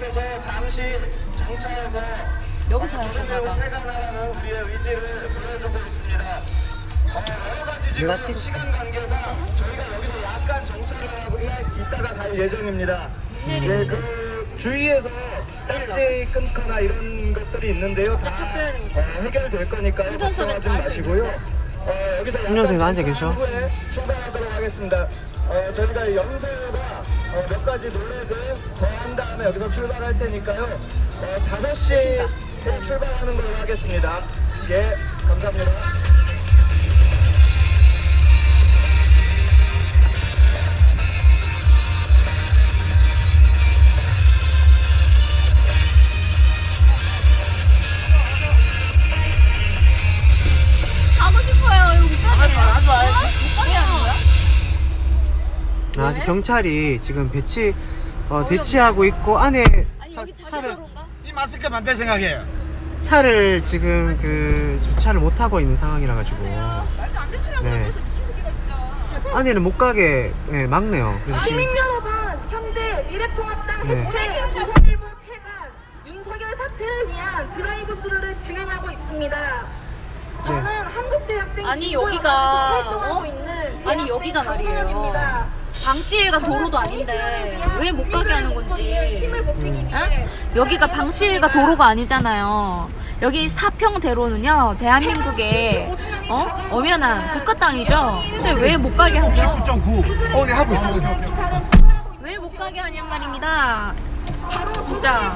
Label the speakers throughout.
Speaker 1: 그래서 잠시 정차해서
Speaker 2: 여기서
Speaker 1: 조선일보 퇴근하라는 우리의 의지를 보여주고 있습니다. 여러 가지 지금 시간 관계상 저희가 여기서 약간 정차를 하고 이따가 갈 예정입니다. 네, 그 주위에서 일찍 끊거나 이런 것들이 있는데요. 다 해결될 거니까요. 걱정하지 마시고요. 여기서
Speaker 3: 운전석에 앉아 계셔.
Speaker 1: 후에 출발하도록 하겠습니다. 저희가 연세가 몇 가지 노래들 더 한 다음에 여기서 출발할 테니까요. 5시에 출발하는 걸로 하겠습니다. 예, 감사합니다.
Speaker 2: 가고 싶어요. 이거 못 가게. 못 가게 하는 거야?
Speaker 3: 아직 경찰이 지금 배치하고 있고 안에
Speaker 2: 아니 여기 자기 도로인가?
Speaker 4: 이 마스크 만들 생각이에요.
Speaker 3: 차를 지금 주차를 못 하고 있는 상황이라 가지고
Speaker 2: 말도 안 되는 소리하고
Speaker 3: 네.
Speaker 2: 있어 미친 새끼가 진짜.
Speaker 3: 안에는 못 가게 막네요. 그래서 지금
Speaker 5: 시민 여러분, 현재 미래통합당
Speaker 3: 네.
Speaker 5: 해체, 조선일보 폐간, 윤석열 사퇴를 위한 드라이브 스루를 진행하고 있습니다. 저는 한국대학생
Speaker 2: 아니,
Speaker 5: 진보연합에서
Speaker 2: 여기가,
Speaker 5: 활동하고 있는
Speaker 2: 아니, 여기가 말이에요.
Speaker 5: 강선현입니다.
Speaker 2: 방시일가 도로도 아닌데 왜 못 가게 하는 건지.
Speaker 5: 힘을 보태기 위해
Speaker 2: 여기가 방시일가 도로가 아니잖아요. 여기 사평대로는요 대한민국의 엄연한 국가 땅이죠. 근데 왜 못 가게 하죠?
Speaker 4: 9.9. 네 하고 있습니다.
Speaker 2: 왜 못 가게 하냔 말입니다. 진짜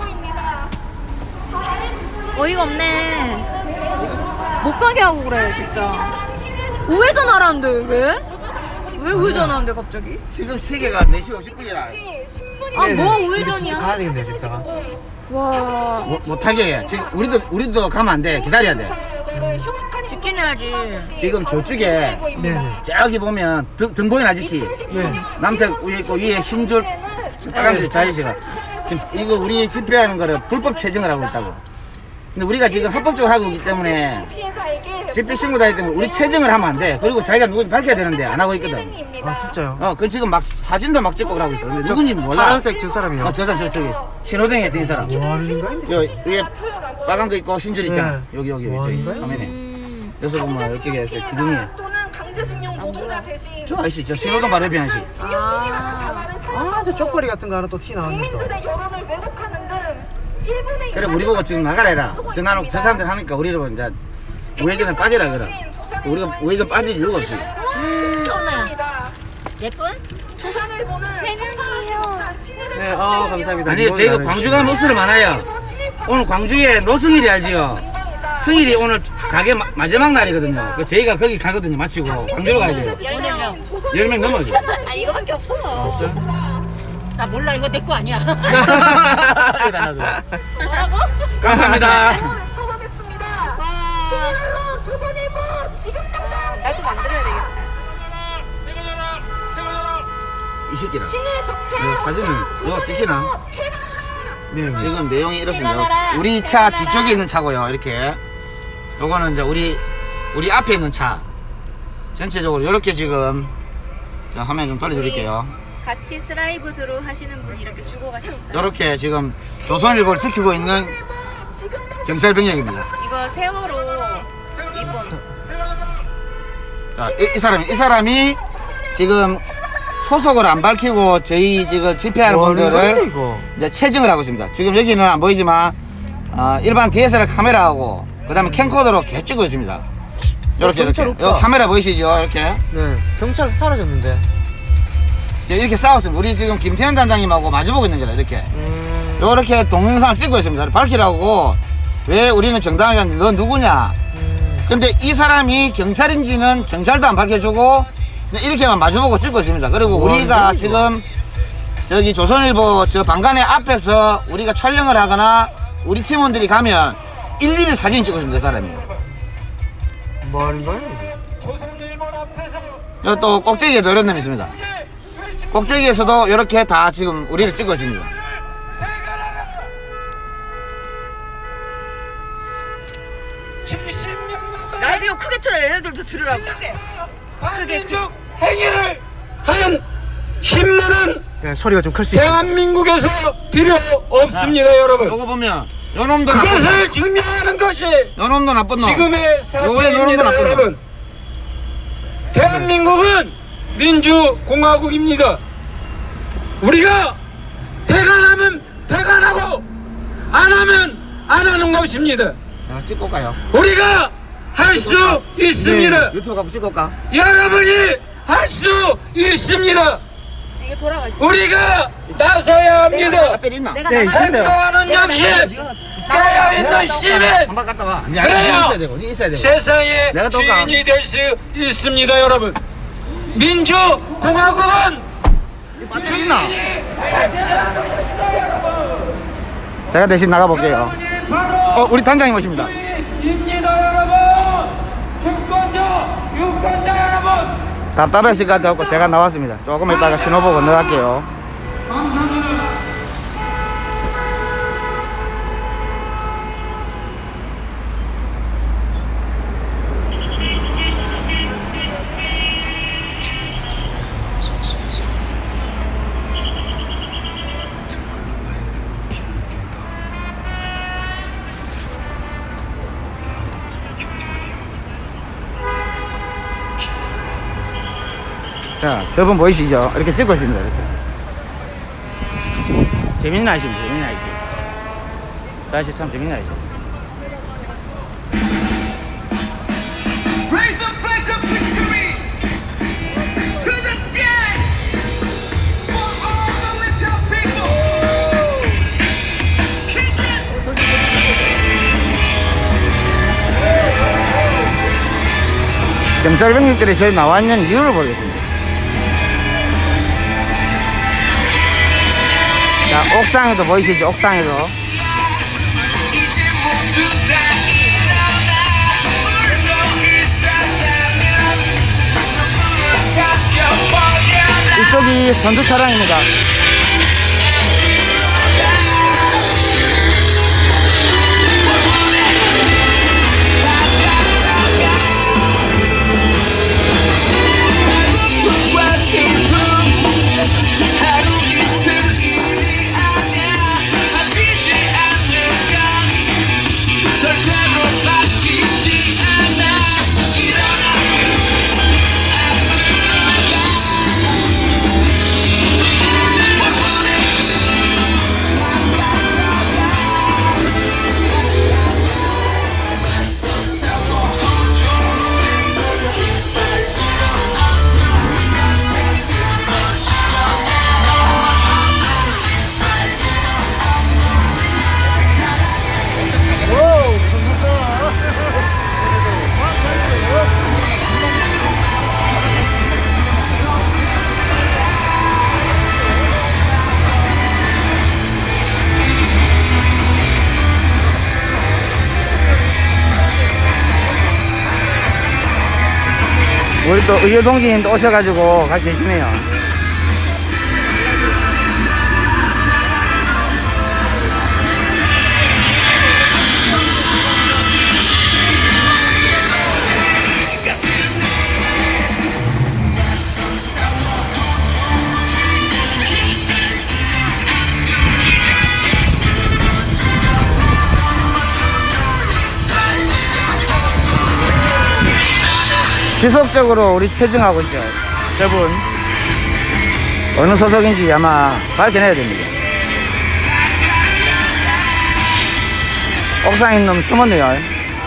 Speaker 2: 어이가 없네. 못 가게 하고 그래 진짜. 우회전하라는데 왜? 왜 우회전하는데 갑자기?
Speaker 4: 지금 시계가 4시 50분이라
Speaker 5: 신문이
Speaker 2: 아
Speaker 3: 네네.
Speaker 2: 뭐
Speaker 3: 이제
Speaker 2: 우회전이야?
Speaker 3: 가야 되겠네요, 집다가.
Speaker 2: 와
Speaker 4: 못하게 해. 지금 우리도 가면 안 돼. 기다려야 돼.
Speaker 2: 직진 해야지.
Speaker 4: 지금 저쪽에
Speaker 3: 네네.
Speaker 4: 저기 보면 등 보이는 아저씨
Speaker 3: 네.
Speaker 4: 남색 위에 있고 위에 흰줄 빨간색 저 아저씨가 지금 이거 우리 집회하는 거를 불법 체증을 하고 있다고. 근데 우리가 지금 합법적으로 하고 있기 때문에
Speaker 5: 피해자에게
Speaker 4: 집회 신고 다니기 때문에 우리 체증을 하면 안 돼. 그리고 자기가 누군지 밝혀야 되는데 안 하고 있거든.
Speaker 3: 아 진짜요?
Speaker 4: 그 지금 막 사진도 막 찍고 그러고 있어. 근데 누군지 몰라.
Speaker 3: 파란색 저 사람이요.
Speaker 4: 저 사람 저쪽에 신호등에 뛴 사람.
Speaker 3: 뭐 하는 인가인데?
Speaker 4: 여기 위에 빨간 거 있고 흰줄 있잖아.
Speaker 3: 네.
Speaker 4: 여기
Speaker 3: 뭐
Speaker 4: 저기
Speaker 3: 하는 거야?
Speaker 4: 화면에. 여기서 보면 이쪽에 저 기둥이.
Speaker 5: 또는 강제징용 노동자 대신
Speaker 4: 저 아저씨 저 신호등 바로 옆에 아저씨.
Speaker 5: 징역형이라는 단어를
Speaker 3: 아 저 쪽벌이 같은 거 하나 또 티 나왔네 또.
Speaker 5: 국민들의 여론을 왜곡하는 등 일본의
Speaker 4: 그래 우리 보고 지금 나가라 해라. 저 나는 저 사람들 하니까 우리를 보고 이제 우회전에 빠지라 그래. 우리가 우회전 빠질 이유가 없지.
Speaker 2: 예쁜?
Speaker 5: 조선일보는 생산하지 못한 친일의
Speaker 3: 네, 감사합니다.
Speaker 4: 아니 저희가 광주가 목소리 많아요. 오늘 광주에 노승일이 알지요. 승일이 오늘 가게 마지막 날이거든요. 그 저희가 거기 가거든요. 마치고 광주로 가야 돼요. 10명 넘어죠.
Speaker 2: 아 이거밖에 없어.
Speaker 4: 없어?
Speaker 6: 나 몰라 이거 내 거 아니야.
Speaker 4: 이거 다 놔둬.
Speaker 2: 뭐라고?
Speaker 4: 감사합니다.
Speaker 5: 외쳐보겠습니다. 친일로 조선일보 지금 당장
Speaker 2: 나도 만들어야 되겠다.
Speaker 4: 이 새끼라.
Speaker 5: 친일 적폐
Speaker 4: 이 사진을 이거 찍히나?
Speaker 3: 네. 네.
Speaker 4: 지금 내용이 이렇습니다. 우리 차 뒤쪽에 있는 차고요. 이렇게. 요거는 이제 우리 앞에 있는 차. 전체적으로 이렇게 지금 자, 화면 좀 돌려드릴게요.
Speaker 2: 같이 스라이브 드루 하시는 분이 이렇게 주고 가셨어요.
Speaker 4: 이렇게 지금 조선일보를 지키고 있는 경찰 병력입니다.
Speaker 2: 이거 세월호 이분.
Speaker 4: 자, 이 사람이 지금 소속을 안 밝히고 저희 지금 집회하는
Speaker 3: 뭐 하는 거야,
Speaker 4: 분들을
Speaker 3: 이거?
Speaker 4: 이제 체증을 하고 있습니다. 지금 여기는 안 보이지만 일반 DSLR 카메라하고 그다음에 캠코더로 계속 찍고 있습니다. 이렇게
Speaker 3: 경찰
Speaker 4: 이렇게.
Speaker 3: 오빠.
Speaker 4: 여기 카메라 보이시죠? 이렇게
Speaker 3: 네. 경찰 사라졌는데.
Speaker 4: 이제 이렇게 싸웠습니다. 우리 지금 김태현 단장님하고 마주보고 있는 거라 이렇게. 이렇게 동영상을 찍고 있습니다. 밝히라고 왜 우리는 정당하게 하는데 너 누구냐? 근데 이 사람이 경찰인지는 경찰도 안 밝혀주고 이렇게만 마주보고 찍고 있습니다. 그리고 우리가 지금 저기 조선일보 저 방간의 앞에서 우리가 촬영을 하거나 우리 팀원들이 가면 일일이 사진 찍고 있습니다. 이 사람이.
Speaker 3: 뭐 하는 거야?
Speaker 4: 여기 또 꼭대기에도 이런 놈이 있습니다. 꼭대기에서도 이렇게 다 지금 우리를 찍고 있습니다.
Speaker 2: 라디오 크게 틀어 얘네들도 들으라고. 크게.
Speaker 7: 행위를 한 신문은
Speaker 3: 네, 소리가 좀 클 수 있어요.
Speaker 7: 대한민국에서 필요 없습니다, 여러분.
Speaker 4: 요거 보면 요 놈도
Speaker 7: 그것을 증명하는 것이
Speaker 4: 요 놈도 나쁜 놈.
Speaker 7: 지금의
Speaker 4: 요거에
Speaker 7: 사태입니다,
Speaker 4: 나쁜 놈.
Speaker 7: 여러분. 대한민국은 민주공화국입니다. 우리가 배관하면 배관하고 안 하면 안 하는 것입니다.
Speaker 4: 찍고 가요.
Speaker 7: 우리가 할 수 있습니다.
Speaker 4: 유튜브 가면 찍고 가.
Speaker 7: 여러분이 할 수 있습니다.
Speaker 2: 이게 돌아갈 때.
Speaker 7: 우리가 나서야 합니다.
Speaker 4: 앞에 있나?
Speaker 2: 내가
Speaker 3: 네,
Speaker 2: 나가.
Speaker 3: 있는데요.
Speaker 7: 행동하는 역시 깨어있는 시민
Speaker 4: 한번 갔다 와. 니 있어야 되고, 니 있어야 되고.
Speaker 7: 세상의
Speaker 4: 내가 또 가.
Speaker 7: 주인이 될 수 있습니다, 여러분. 민주공화국은
Speaker 4: 배터리 있나? 제가 대신 나가볼게요. 우리 단장님 오십니다.
Speaker 7: 입니다, 여러분. 주권자, 유권자 여러분.
Speaker 4: 답답하실 것 같아서 제가 나왔습니다. 조금 있다가 신호 보고 건너갈게요. 자, 저분 보이시죠? 이렇게 찍고 있습니다. 이렇게. 재밌는 아이십니다. 재밌는 아이씨. 저 아이씨 참 재밌는 아이씨.
Speaker 8: Raise the flag of victory to the sky for all the little people. Kick it.
Speaker 4: 경찰 병력들이 저희 나와 있는 이유를 모르겠습니다. 자, 옥상에도 보이시죠? 옥상에도.
Speaker 8: 이제 모두 다 일어나 울고 있었다면 눈물을 삭혀버려라.
Speaker 4: 이쪽이 선두 차량입니다.
Speaker 8: 하루 이틀 일이 아니야. 바뀌지 않는 건 절대로 바뀌지 않아. 일어나.
Speaker 4: 우리 또 의료동지님도 오셔가지고 같이 계시네요. 지속적으로 우리 체증하고 있죠. 저분 어느 소속인지 아마 밝혀내야 됩니다. 옥상에 있는 놈 숨었네요.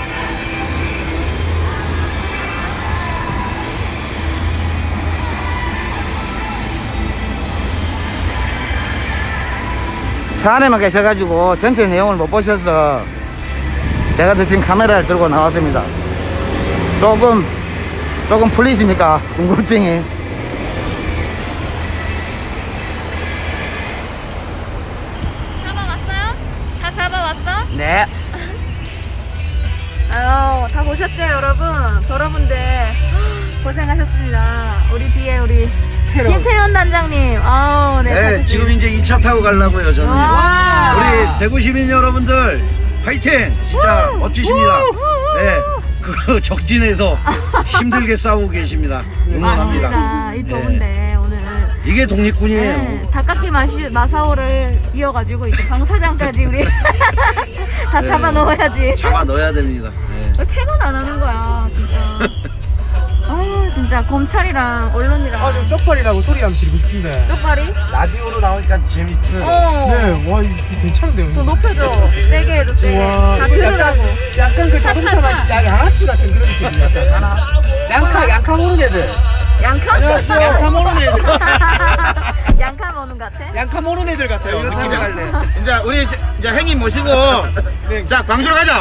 Speaker 4: 차 안에만 계셔가지고 전체 내용을 못 보셔서 제가 대신 카메라를 들고 나왔습니다. 조금 풀리십니까? 궁금증이.
Speaker 2: 잡아왔어요? 다 잡아왔어?
Speaker 4: 네.
Speaker 2: 아유, 다 보셨죠, 여러분? 여러분들 고생하셨습니다. 우리 뒤에 우리 김태현 단장님. 아우, 네.
Speaker 9: 네, 지금 이제 2차 타고 가려고요, 저는.
Speaker 2: 와.
Speaker 9: 우리 대구 시민 여러분들, 화이팅! 진짜 멋지십니다. 네, 그 적진에서 힘들게 싸우고 계십니다. 응원합니다.
Speaker 2: 맞습니다. 이 더운데 오늘
Speaker 9: 이게 독립군이에요.
Speaker 2: 네, 닭깎이 마사오를 이어가지고 이제 방사장까지 우리 다 잡아 넣어야지.
Speaker 9: 잡아 넣어야 됩니다. 네.
Speaker 2: 왜 퇴근 안 하는 거야, 진짜. 아, 진짜 검찰이랑 언론이랑
Speaker 3: 아, 좀 쪽팔이라고 소리 한번 지르고 싶은데.
Speaker 2: 쪽발이?
Speaker 9: 라디오로 나오니까 재밌죠.
Speaker 2: 어.
Speaker 3: 네, 와, 이거 괜찮은데요?
Speaker 2: 더 높여줘. 세게 해줘, 세게.
Speaker 3: 와,
Speaker 2: 다
Speaker 3: 이거
Speaker 2: 들으라고.
Speaker 3: 약간 그 자동차 양아치 같은 그런 느낌이야. 양카 모르는 애들.
Speaker 2: 양카?
Speaker 3: 양카 모르는 애들.
Speaker 2: 양카 먹는 것 같아?
Speaker 3: 양카 모르는 애들 같아요.
Speaker 9: 이거 타고 갈래.
Speaker 4: 이제 우리 이제 행님 모시고 자 광주로 가자.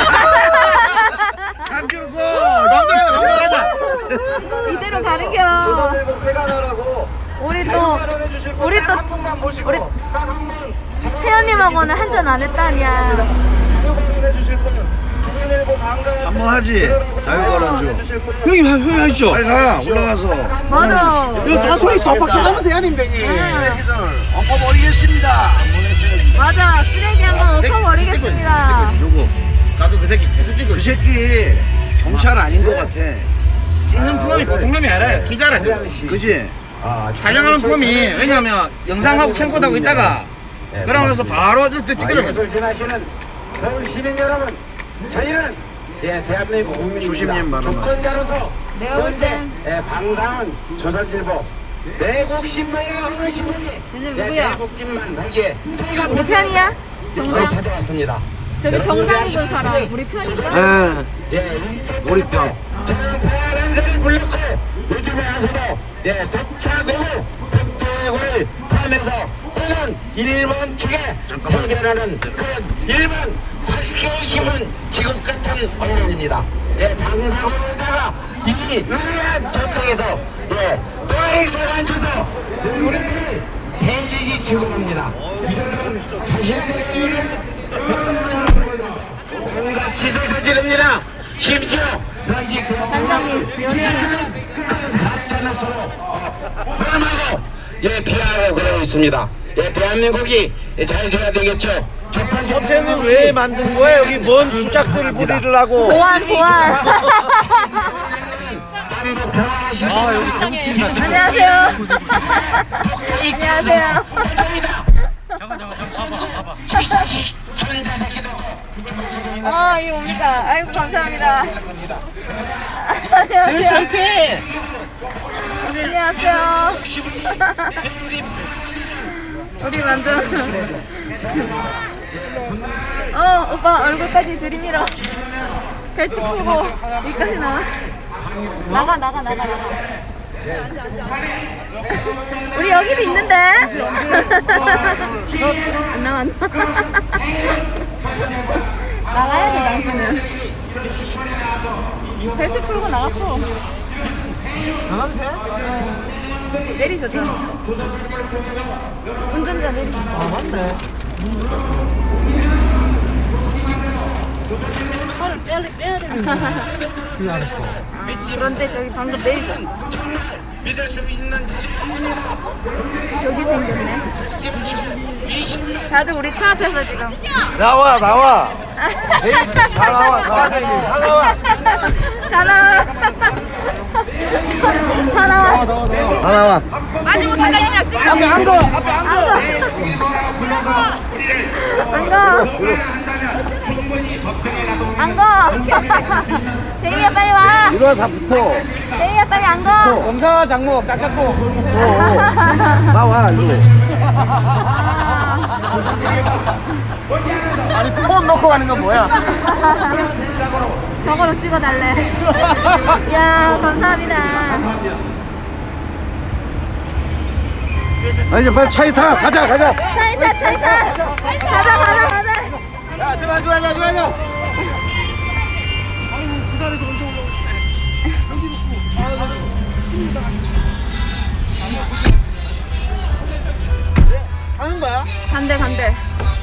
Speaker 9: 강주고.
Speaker 4: 광주로 가자.
Speaker 2: 이대로 가는겨.
Speaker 1: 조선일보 폐간하라고
Speaker 2: 우리 또
Speaker 1: 발언해 주실 분
Speaker 2: 우리
Speaker 1: 딱
Speaker 2: 또
Speaker 1: 한 분만 모시고
Speaker 2: 우리
Speaker 1: 딱한분
Speaker 2: 태연님하고는 한잔 안 했다냐.
Speaker 1: 자유 발언해 주실 분 조선일보 방관
Speaker 9: 한번 하지. 자유발언
Speaker 1: 주실 분
Speaker 3: 형님 하시죠.
Speaker 9: 빨리 가. 올라가서.
Speaker 2: 맞아.
Speaker 3: 이거 사투리 빡빡 써가면서 해야 됩니다, 형님.
Speaker 2: 응.
Speaker 9: 엎어버리겠습니다.
Speaker 2: 맞아. 쓰레기 한번 엎어버리겠습니다.
Speaker 9: 누구?
Speaker 4: 나도 그 새끼 계속 찍고
Speaker 9: 그
Speaker 4: 있어.
Speaker 9: 새끼 경찰 아닌 것 같아.
Speaker 4: 찍는 폼이 보통 놈이 아니라 기자라 지금.
Speaker 9: 그지?
Speaker 4: 촬영하는 폼이 왜냐면 영상하고 캠코더하고 있다가 그러고 나서 바로 찍더라고.
Speaker 1: 예술 지나시는 서울 시민 여러분, 저희는 대한민국 국민입니다.
Speaker 9: 조심님 발언.
Speaker 1: 주권자로서
Speaker 2: 내가 볼
Speaker 1: 현재
Speaker 2: 땐
Speaker 1: 방상은 조선일보 내국 신문에 어느 신문이
Speaker 2: 얘는 누구야?
Speaker 1: 내국집만 하기에 저희가
Speaker 2: 우리 편이야?
Speaker 1: 거의
Speaker 2: 정상?
Speaker 1: 찾아왔습니다.
Speaker 2: 저기 정상 입은 사람 우리 편인가?
Speaker 9: 네.
Speaker 1: 예,
Speaker 9: 우리편.
Speaker 1: 저는 파란색을 불렀고 요즘에 와서도 독차고 북대구를 포함해서 오는 일본 측에 해결하는 그런 일본 사기의 힘은 기국 같은 언론입니다. 방상으로다가 이 의아한 전통에서 또일 조간줘서 우리들을 해지기 추구합니다. 이들은 자신들의 이유를 온갖 짓을 저지릅니다. 심지어 여기
Speaker 2: 단장님, 연예인.
Speaker 1: 가짜뉴스로 범하고 비하하고 그러고 있습니다. 대한민국이 잘 돼야 되겠죠. 첫 번째
Speaker 9: 호텔은 왜 만든 거야? 여기 뭔 수작들을 부리려고?
Speaker 2: 보안. 안녕하세요. 안녕하세요. 이 뭡니까? 아이고 감사합니다. 안녕하세요. 안녕하세요. 우리 완전 오빠 얼굴까지 들이밀어. 벨트 풀고 여기까지 나가. 나가. 우리 여기도 있는데. 안 나와. 나가야 돼 당신은. 벨트 풀고 나갔어.
Speaker 3: 나가도 돼?
Speaker 2: 내리셔줘. 운전자 내리셔.
Speaker 3: 맞네. 팔을 빼야 되는데. 그게 알았어.
Speaker 2: 그런데 저기 방금 내리셨어.
Speaker 1: 믿을 수 있는
Speaker 2: 여기 생겼네. 다들 우리 차 앞에서 지금.
Speaker 9: 나와.
Speaker 2: 다 나와.
Speaker 9: 다 나와. 다 나와.
Speaker 2: 마지막 사장님이랑 찍어. 앞에 안 가. 안 가. 대희야 빨리 와.
Speaker 9: 이리 와, 다 붙어.
Speaker 2: 대희야 빨리 안 가.
Speaker 4: 검사 장목 짝짝고.
Speaker 9: 나와, 이리.
Speaker 4: 아니 폰 놓고 가는 건 뭐야?
Speaker 2: 저거로 찍어달래. 이야 감사합니다.
Speaker 9: 이제 빨리 차에 타. 가자.
Speaker 2: 차이 타. 가자.
Speaker 4: 야 제발.
Speaker 3: 하는 거야?
Speaker 2: 간대.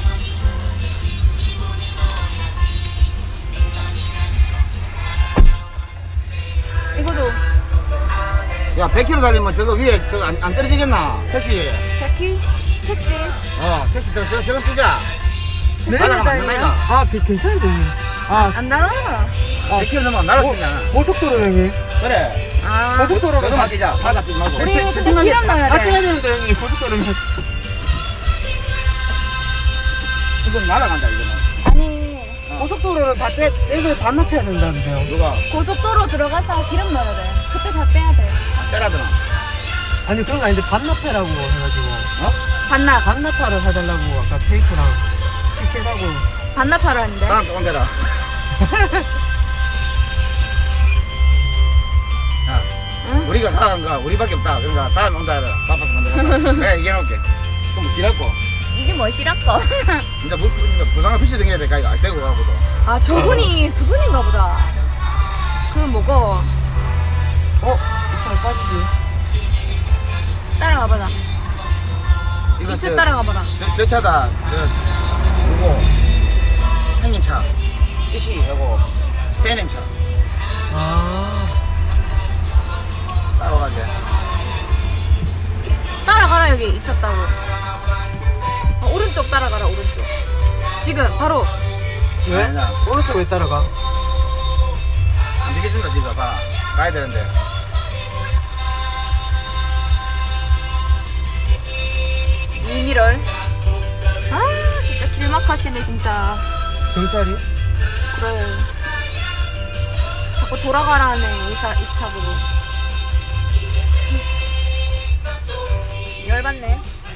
Speaker 2: 이거도
Speaker 4: 야 100km 달리면 저거 위에 저거 안 떨어지겠나? 택시.
Speaker 2: 택시.
Speaker 4: 택시 저거 뛰자.
Speaker 3: 네?
Speaker 4: 날아가면 안 된다니까.
Speaker 3: 아, 괜찮은데, 형님.
Speaker 2: 안 날아.
Speaker 4: 100km 넘으면 날아치잖아.
Speaker 3: 고속도로 형님.
Speaker 4: 그래.
Speaker 2: 아,
Speaker 3: 고속도로는
Speaker 4: 저도 맞히자. 바다 뛰지 말고.
Speaker 2: 우리 근데 기름 넣어야
Speaker 3: 다
Speaker 2: 돼.
Speaker 3: 떼야 되는데 형님 고속도로는.
Speaker 4: 이건 날아간다 이거는.
Speaker 2: 아니,
Speaker 3: 고속도로는 다 떼서 반납해야 된다는데요.
Speaker 4: 누가
Speaker 2: 고속도로 들어가서 기름 넣어야 돼. 그때 다 빼야 돼.
Speaker 4: 때라더나.
Speaker 3: 아니 그런 거 아닌데 반납해라고 해가지고
Speaker 2: 반납.
Speaker 3: 반납하러 해달라고 아까 테이프랑 티켓하고.
Speaker 2: 반납하러 하는데.
Speaker 4: 다음 조금 대라. 야,
Speaker 2: 응?
Speaker 4: 우리가 나간 거 우리밖에 없다. 그러니까 다음에 온다 해라. 바빠서 만들어. 내가 얘기해놓을게. 그럼 지랄고.
Speaker 2: 이게 뭐 싫었고.
Speaker 4: 이제 부상을 붙이 등해야 될까 이거 알떼고 가고도.
Speaker 2: 아, 저분이 그분인가 보다. 그 뭐고.
Speaker 3: 이 차에 빠지지.
Speaker 2: 따라가봐라.
Speaker 4: 이거
Speaker 2: 이차 따라가봐라.
Speaker 4: 저 차다. 이거 형님 차. CC하고 PNM 차. 따라가게.
Speaker 2: 따라가라, 여기 이차 따고. 오른쪽 따라가라, 오른쪽. 지금 바로.
Speaker 3: 왜?
Speaker 4: 아니야.
Speaker 3: 오른쪽 왜 따라가?
Speaker 4: 안 되겠준다 지금 봐. 가야 되는데.
Speaker 2: 이미럴. 아, 진짜 길막하시네, 진짜.
Speaker 3: 경찰이?
Speaker 2: 그래. 자꾸 돌아가라네, 이 차 보고. 열받네.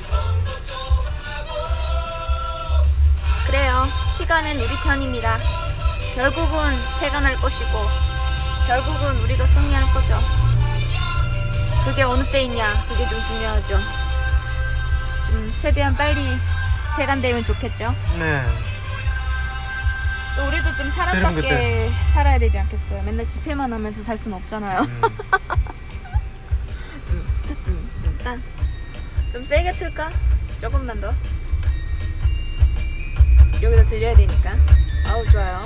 Speaker 2: 그래요. 시간은 우리 편입니다. 결국은 퇴근할 것이고, 결국은 우리가 승리할 거죠. 그게 어느 때이냐, 그게 좀 중요하죠. 최대한 빨리 퇴근되면 좋겠죠.
Speaker 3: 네.
Speaker 2: 또 우리도 좀 사람답게 살아야 되지 않겠어요. 맨날 집회만 하면서 살 수는 없잖아요. 일단 좀 세게 틀까? 조금만 더. 여기다 들려야 되니까. 아우, 좋아요.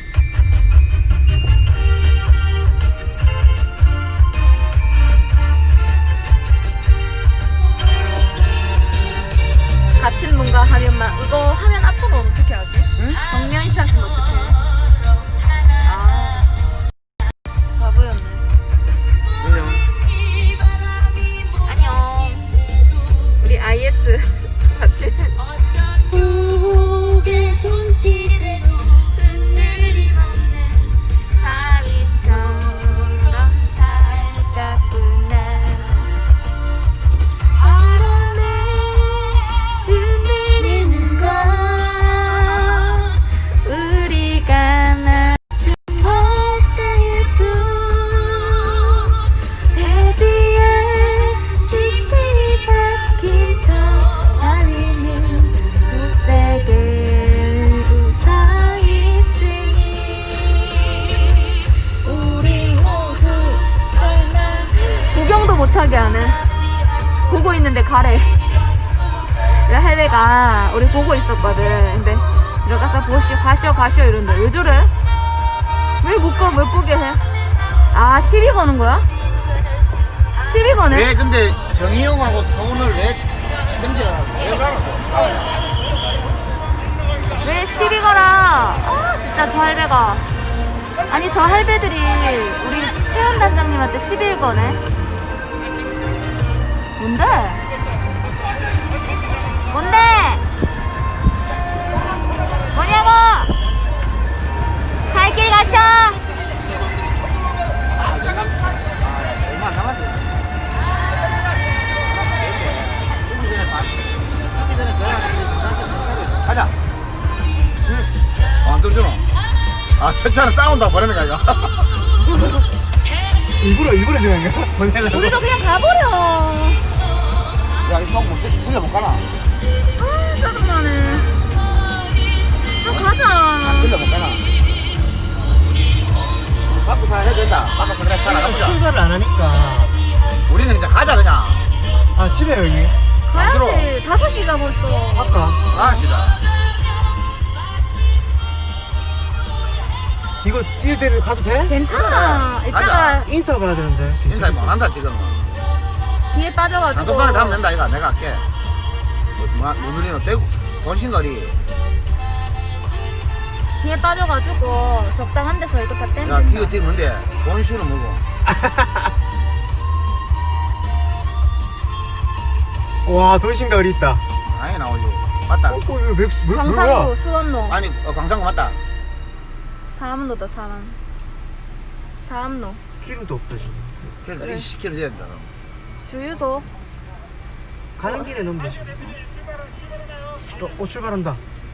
Speaker 2: 같은 뭔가 하면만, 이거 하면 앞으로는 어떻게 하지? 응? 정면샷은 어떻게 해? 아, 바보였네. 안녕. 우리 IS 같이.
Speaker 5: 고개 손길에 흔들림 없는
Speaker 2: 바위처럼 살짝구나. 바람에 흔들리는 건 우리가 낳은 바다의 뷰. 대지에 깊이 박힌 저 달리는 굳세게 웃어있으니 우리 모두 설마 구경도 못하게 하는. 보고 있는데 가래. 왜 할배가 우리 보고 있었거든. 근데 들어가서 가시오 이러는데 왜 저래? 왜 못 보게 해? 아, 시비 거는 거야? 시비 거네?
Speaker 4: 왜 근데 정희영하고 서운을 왜 견디라고? 왜 그러라고?
Speaker 2: 왜 시비 거라? 아, 진짜 저 할배가. 아니, 저 할배들이 우리 태연 단장님한테 시비를 거네. 뭔데? 뭔데? 뭐냐고? 갈 길 가셔.
Speaker 4: 얼마 안 남았어요. 죽기 전에 저희한테 가자. 안 들어주노? 아, 첫차는 싸운다 버리는 거야 이거.
Speaker 3: 일부러 정한 거야? 보내려고?
Speaker 2: 우리도 그냥 가버려.
Speaker 4: 야, 이 수학 못 틀려 못 가나?
Speaker 2: 아, 짜증나네. 좀 가자.
Speaker 4: 틀려 못 가나? 바꾸사 해야 된다. 바꿔서 그래 차 나가보자.
Speaker 3: 출발을 안 하니까.
Speaker 4: 우리는 이제 가자 그냥.
Speaker 3: 아 집에 여기?
Speaker 2: 가야지. 5시가 벌써.
Speaker 3: 아까
Speaker 4: 아시다.
Speaker 3: 이거 뒤에 데리고 가도 돼?
Speaker 2: 괜찮아.
Speaker 4: 그래,
Speaker 2: 이따가
Speaker 4: 가자.
Speaker 3: 인사 가야 되는데.
Speaker 4: 인사 못 한다 지금.
Speaker 2: 뒤에 빠져가지고.
Speaker 4: 단톡방에 가면 된다 이거 내가 할게. 뭐 누리노 대구 본신거리.
Speaker 2: 뒤에 빠져가지고 적당한 데서 이거 다 떼면
Speaker 4: 야
Speaker 2: 된다.
Speaker 4: 티그 뭔데? 본슈는 뭐고?
Speaker 3: 와 돌싱가 어디 있다.
Speaker 4: 아예 나오지. 맞다.
Speaker 3: 이거 맥스 뭐야?
Speaker 2: 광산구 수원로
Speaker 4: 아니 광산구 맞다.
Speaker 2: 사암로다 사암로
Speaker 3: 기름도 없다 지금.
Speaker 4: 그래 20km 돼야 된다.
Speaker 2: 주유소
Speaker 3: 가는 길에 넣으면 되지. 출발한다.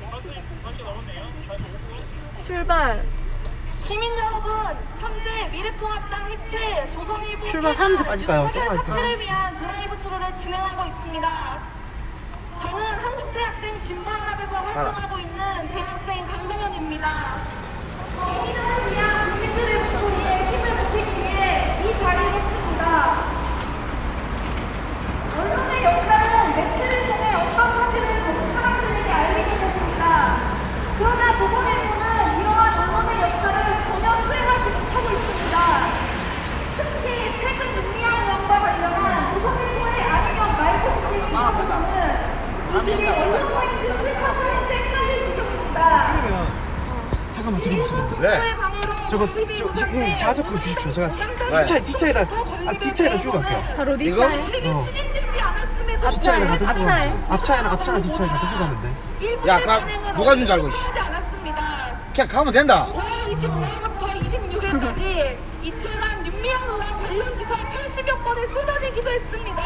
Speaker 2: 출발.
Speaker 5: 시민 여러분, 현재 미래통합당 해체 조선일보
Speaker 3: 출발하면서 빠질까요? 조금만 있으면.
Speaker 5: 사퇴를 위한 드라이브 스루를 진행하고 있습니다. 저는 한국대학생 진보연합에서 활동하고 있는 대학생 강성현입니다. 정의를 위한 국민들의 목소리에 힘을 보태기 위해 이 자리에 있습니다. 언론의 역할은 매체를 통해 어떤 사실을 사람들에게 알리는 것입니다. 그러나 조선일보는 이러한 언론의 역할을 전혀 수행하지 못하고 있습니다. 특히 최근 윤미향 의원과 관련한 조선일보의 아니면 말고 시대의 사건은 이들이 언론사인지 출판사인지 헷갈릴 지경입니다.
Speaker 3: 잠깐만.
Speaker 4: 왜?
Speaker 3: 저거 형 자석 그거 주십시오. 제가 뒷차에다 주고 갈게요.
Speaker 2: 바로 네
Speaker 4: 이거?
Speaker 2: 차에.
Speaker 5: 추진되지 않았음에도
Speaker 3: 뒷차에다 갖다 주고
Speaker 2: 앞차에.
Speaker 3: 가면 앞차나 뒷차에 갖다 주고 가면 돼.
Speaker 4: 야, 누가 준 줄 알고, 씨.
Speaker 5: 하지 않았습니다.
Speaker 4: 그냥 가면 된다.
Speaker 5: 5월 25일부터 26일까지 이틀간 윤미향 의원 관련 기사 80여 건을 쏟아내기도 했습니다.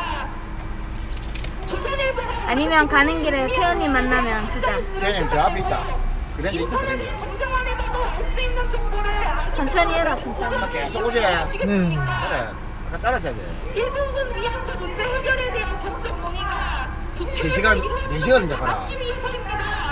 Speaker 5: 조선일보가
Speaker 2: 아니면 가는 길에 태연님 만나면 주자.
Speaker 4: 태연님 저 앞에 있다. 그래
Speaker 5: 인터넷에 검색만 해봐도 알 수 있는 정보를
Speaker 2: 천천히 해라 천천히.
Speaker 4: 계속 오지.
Speaker 5: 아시겠습니까?
Speaker 4: 그래. 아까 잘랐어야 돼.
Speaker 5: 일본군 위안부 문제 해결에 대한 법적 논의가
Speaker 4: 3시간, 4시간인데 봐라.
Speaker 5: 막기 위해서입니다.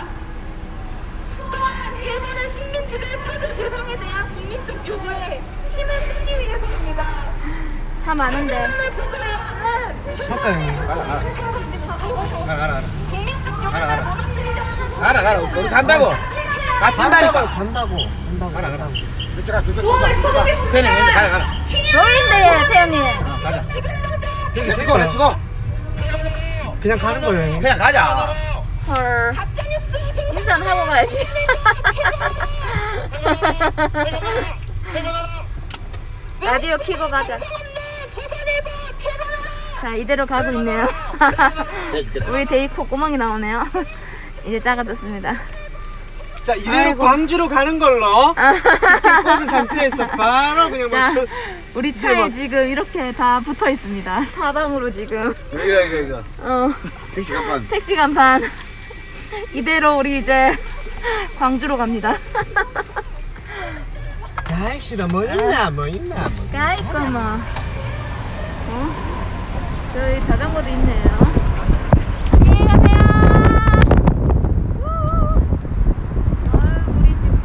Speaker 5: 또한 일본은 식민지배 사죄 배상에 대한 국민적 요구에 힘을 빼기 위해서입니다.
Speaker 2: 차 많은데.
Speaker 5: 사실을 보도해야 하는
Speaker 3: 잠깐, 형님.
Speaker 4: 가라.
Speaker 5: 국민적
Speaker 4: 가라.
Speaker 5: 요구를 무너뜨리려 하는
Speaker 4: 가라. 우리 간다고. 간다니까.
Speaker 3: 간다고.
Speaker 4: 가라. 쭉 가. 태연님 있는데 가라.
Speaker 2: 여기인데 태연님.
Speaker 4: 가자.
Speaker 5: 지금 당장
Speaker 4: 렛츠고.
Speaker 3: 그냥 가는 거예요, 형님.
Speaker 4: 그냥 가자.
Speaker 2: 헐.
Speaker 5: 가짜뉴스 생산
Speaker 2: 일산 하고 가야지. 라디오 켜고 가자.
Speaker 5: 조선일보 패러라.
Speaker 2: 자 이대로 가고 있네요. 우리 데이코 꼬멍이 나오네요. 이제 작아졌습니다.
Speaker 3: 자 이대로
Speaker 2: 아이고.
Speaker 3: 광주로 가는 걸로. 이렇게 꽂은 상태에서 바로 그냥
Speaker 2: 자
Speaker 3: 맞춰.
Speaker 2: 우리 차에 지금 이렇게 다 붙어 있습니다. 사방으로 지금.
Speaker 4: 이거.
Speaker 2: 어
Speaker 4: 택시 간판.
Speaker 2: 택시 간판. 이대로 우리 이제 광주로 갑니다.
Speaker 3: 가입시다. 뭐 있나.
Speaker 2: 까이꺼 뭐. 저희 자전거도 있네요. 안녕히 가세요. 우리 지금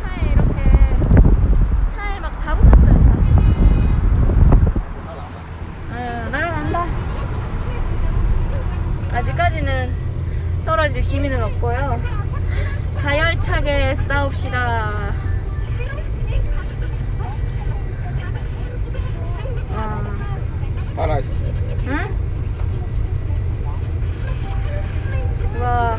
Speaker 2: 차에 막 다 붙었어요. 날아간다. 아직까지는 떨어질 기미는 없고요. 가열차게 싸웁시다.
Speaker 4: 봐라.
Speaker 2: 응? 와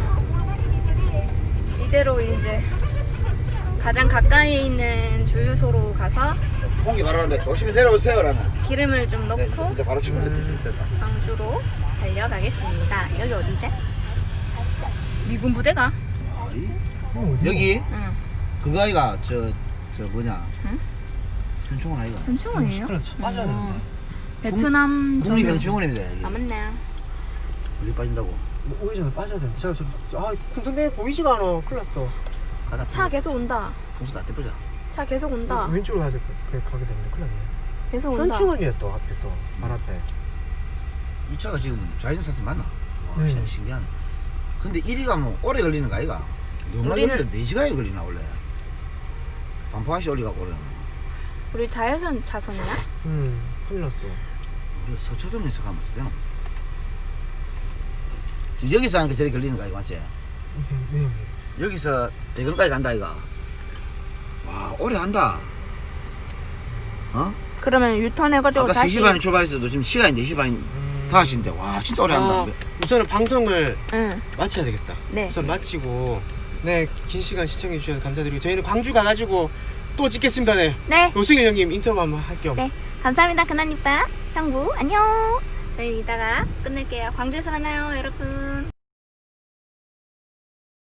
Speaker 2: 이대로 이제 가장 가까이 있는 주유소로 가서
Speaker 4: 공기 바로 하는데 조심히 내려오세요, 라는.
Speaker 2: 기름을 좀
Speaker 4: 네,
Speaker 2: 넣고
Speaker 4: 이제 바로 치면 됐다.
Speaker 2: 광주로 달려가겠습니다. 여기 어디지? 미군 부대가?
Speaker 4: 여기
Speaker 2: 응.
Speaker 4: 그거 아이가 저 뭐냐?
Speaker 2: 응?
Speaker 4: 현충원 아이가.
Speaker 2: 현충원이에요?
Speaker 3: 그럼 차 빠져야 되는데.
Speaker 2: 베트남
Speaker 4: 국립
Speaker 2: 전용.
Speaker 4: 현충원입니다. 여기.
Speaker 2: 아 맞네.
Speaker 4: 어디 빠진다고?
Speaker 3: 뭐 오기 전에 빠져야 되는데. 근데 보이지가 않아. 큰일 났어.
Speaker 4: 가다.
Speaker 2: 차 계속 온다.
Speaker 4: 동수 다 떼보자.
Speaker 2: 차 계속 온다.
Speaker 3: 왼쪽으로 가게 되는데 큰일 났네.
Speaker 2: 계속 온다.
Speaker 3: 현충원이야 또 하필 또 발 앞에.
Speaker 4: 이 차가 지금 좌회전 사슬 맞나? 와,
Speaker 3: 네.
Speaker 4: 신기하네. 근데 1위가 뭐 오래 걸리는 거 아이가? 너무나
Speaker 2: 우리는-
Speaker 4: 걸리는데 4시간이 걸리나 원래? 반포항시 올리가고 그러나?
Speaker 2: 우리 자유선 차선이야?
Speaker 3: 큰일 났어.
Speaker 4: 우리가 서초동에서 가면 되나? 지금 여기서 하니까 저리 걸리는 거 아이가 맞지?
Speaker 3: 네.
Speaker 4: 여기서 대건까지 간다 아이가? 와 오래 한다. 어?
Speaker 2: 그러면 유턴해가지고
Speaker 4: 아까
Speaker 2: 다시.
Speaker 4: 3시 반에 출발했어도 지금 시간이 4시 반 5시인데 와 진짜 오래 한다.
Speaker 3: 우선은 방송을
Speaker 2: 응.
Speaker 3: 마쳐야 되겠다.
Speaker 2: 네.
Speaker 3: 우선 마치고 긴 시간 시청해 주셔서 감사드리고 저희는 광주 가가지고 또 찍겠습니다. 네.
Speaker 2: 네.
Speaker 3: 노승현 형님 인터뷰 한번 할게요.
Speaker 2: 네. 감사합니다, 그나니빠. 형부, 안녕. 저희 이따가 끝낼게요. 광주에서 만나요, 여러분.